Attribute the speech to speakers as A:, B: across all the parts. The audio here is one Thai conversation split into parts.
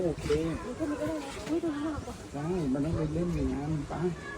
A: โอเคใช่มันต้องไปเล่นอย่างนั้นป้า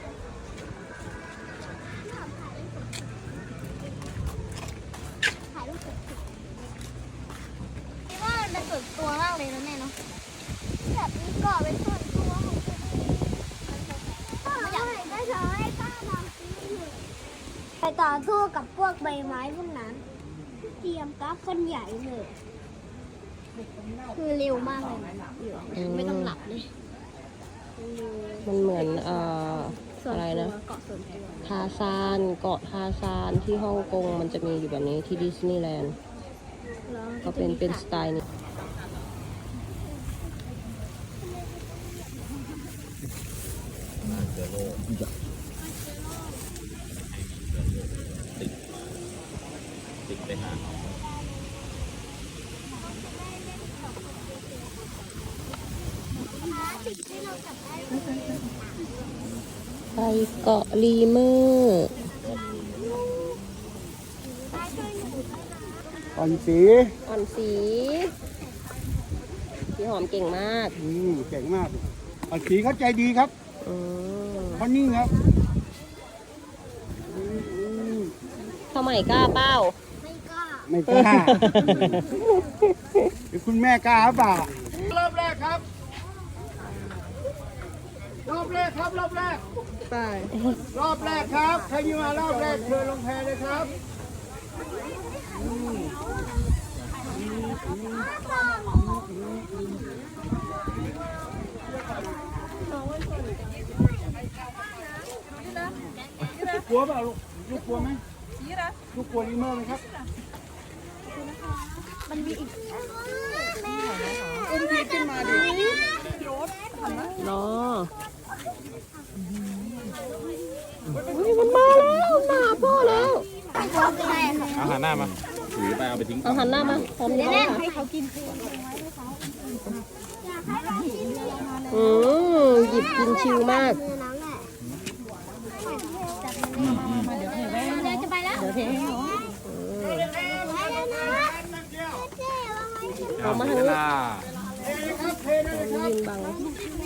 B: คิดว่ามันเป็นส่วนตัวมากเลยนะแม่เนาะแบบมีเกาะเป็นส่วนตัวของตัวเองอยากได้เธอให้ป้าทำไปต่อสู้กับพวกใบไม้พวกนั้น เตรียมกราฟคนใหญ่เลยคือเร็วมากเลยไม่ต้องหลับเลย
C: มันเหมือนอะไรนะ
B: เกาะส่วนตัว
C: ทาซานเกาะทาซานที่ฮ่องกงมันจะมีอยู่แบบนี้ที่ดิสนีย์แลนด์ก็เป็นสไตล์นี้
D: ติดไปหา
C: ไปเกาะลีเมอร์
A: อ่อนสี
C: อ่อนสีพี่หอมเก่งมาก
A: เก่งมากอ่อนสีเขาใจดีครับ
C: อืม
A: เขานิ่งครับ
C: สมัยกล้าเป้า
B: ไม่กล้า
A: ไม่กล้าหรือคุณแม่กล้าหรือเปล่ารอบแรกครับรอบแรกครับรอบแรกไปรอบแรกครับใครที่มารอบแรกเชิญลงแพเลยครับกลัวเปล่าลูกกลัวไหมลูกกลัวลิเมอร์ไหมครับ
B: มันมีอีกแม่
A: อุ้มพีขึ้นมาดิ
C: เนาะมันมาแล้วมาพ่อแล้ว
D: เอาหันหน้ามาถือไปเอาไปทิ้ง
C: เอาหันหน้ามาพร้อมแล้วค่ะ
B: ให้เขากิน
C: หยิบกินชิวมาก
B: เดี๋ยวจะไปแล้ว
C: เดี๋ยวเทให้น้อง
D: เอามาหันหน้า
C: ยืนบัง